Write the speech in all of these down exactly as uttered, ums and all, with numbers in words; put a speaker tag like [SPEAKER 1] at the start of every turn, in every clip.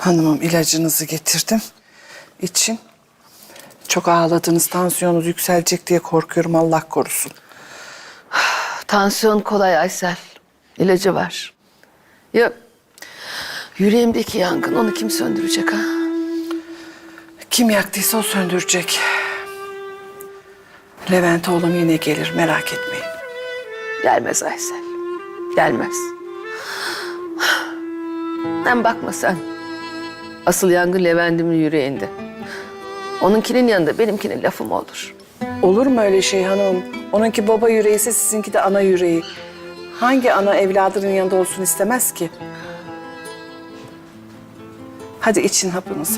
[SPEAKER 1] Hanımım ilacınızı getirdim. İçin. Çok ağladınız, tansiyonunuz yükselecek diye korkuyorum, Allah korusun.
[SPEAKER 2] Tansiyon kolay Aysel. İlacı var. Ya yüreğimdeki yangın, onu kim söndürecek ha?
[SPEAKER 1] Kim yaktıysa o söndürecek. Levent oğlum yine gelir, merak etmeyin.
[SPEAKER 2] Gelmez Aysel. Gelmez. Hem bakma sen. Asıl yangın Levent'imin yüreğinde. Onunkinin yanında benimkinin lafı mı olur?
[SPEAKER 1] Olur mu öyle şey hanımım? Onunki baba yüreği ise sizinki de ana yüreği. Hangi ana evladının yanında olsun istemez ki? Hadi için hapınızı.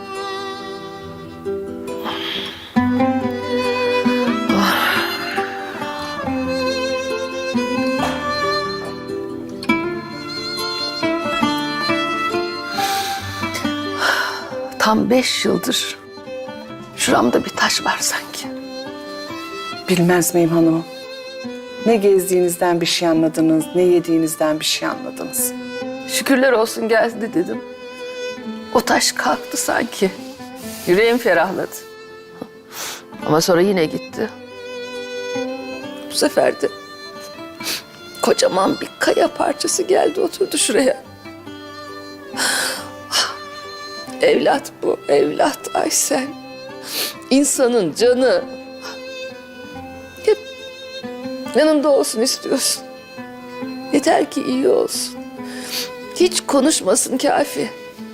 [SPEAKER 2] Tam beş yıldır şuramda bir taş var sanki.
[SPEAKER 1] Bilmez miyim hanımım? Ne gezdiğinizden bir şey anladınız, ne yediğinizden bir şey anladınız.
[SPEAKER 2] Şükürler olsun geldi dedim. O taş kalktı sanki. Yüreğim ferahladı. Ama sonra yine gitti. Bu sefer de kocaman bir kaya parçası geldi oturdu şuraya. Evlat bu, evlat Aysel. İnsanın canı. Hep yanında olsun istiyorsun. Yeter ki iyi olsun. Hiç konuşmasın kafi.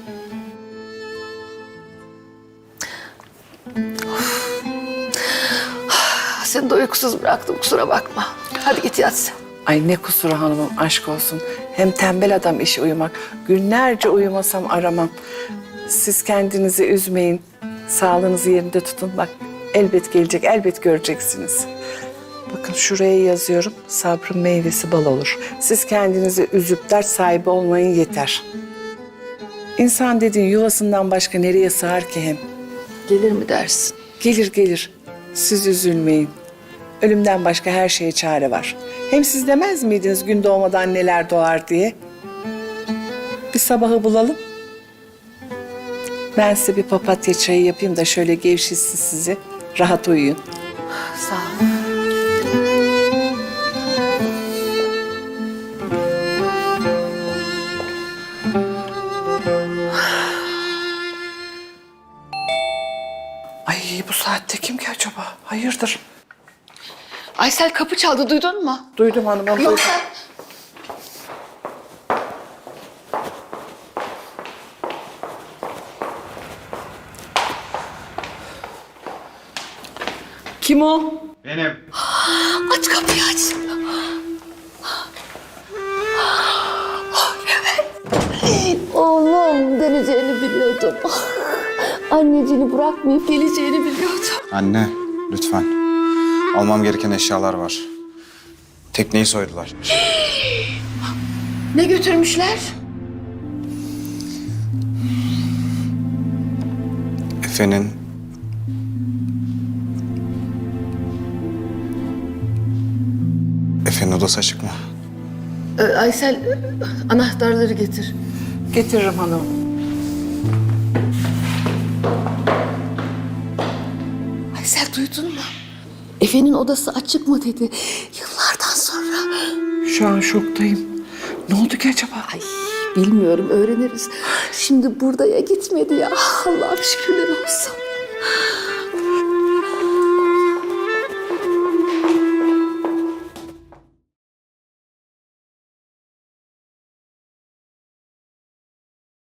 [SPEAKER 2] Of. Seni de uykusuz bıraktım, kusura bakma. Hadi git yat sen.
[SPEAKER 1] Ay ne kusuru hanımım, aşk olsun. Hem tembel adam işi uyumak. Günlerce uyumasam aramam. Siz kendinizi üzmeyin. Sağlığınızı yerinde tutun. Bak elbet gelecek, elbet göreceksiniz. Bakın şuraya yazıyorum. Sabrın meyvesi bal olur. Siz kendinizi üzüp dert sahibi olmayın yeter. İnsan dediğin yuvasından başka nereye sığar ki hem?
[SPEAKER 2] Gelir mi dersin?
[SPEAKER 1] Gelir gelir. Siz üzülmeyin. Ölümden başka her şeye çare var. Hem siz demez miydiniz gün doğmadan neler doğar diye? Bir sabahı bulalım. Ben size bir papatya çayı yapayım da şöyle gevşetsin sizi. Rahat uyuyun.
[SPEAKER 2] Sağ ol.
[SPEAKER 1] Ay bu saatte kim ki acaba? Hayırdır?
[SPEAKER 2] Aysel kapı çaldı, duydun mu?
[SPEAKER 1] Duydum hanımım. Duydum.
[SPEAKER 2] Yoksa...
[SPEAKER 1] Kim o?
[SPEAKER 3] Benim.
[SPEAKER 2] Aç kapıyı aç. Evet. Oğlum döneceğini biliyordum. Anneciğini bırakmayıp geleceğini biliyordum.
[SPEAKER 3] Anne, lütfen. Almam gereken eşyalar var. Tekneyi soydular.
[SPEAKER 2] Ne götürmüşler?
[SPEAKER 3] Efe'nin... Efe'nin odası açık mı?
[SPEAKER 2] Ee, Aysel anahtarları getir.
[SPEAKER 1] Getiririm hanım.
[SPEAKER 2] Aysel duydun mu? Efe'nin odası açık mı dedi. Yıllardan sonra.
[SPEAKER 1] Şu an şoktayım. Ne oldu ki acaba?
[SPEAKER 2] Ay bilmiyorum, öğreniriz. Şimdi burada ya gitmedi ya. Allah'ım şükürler olsun.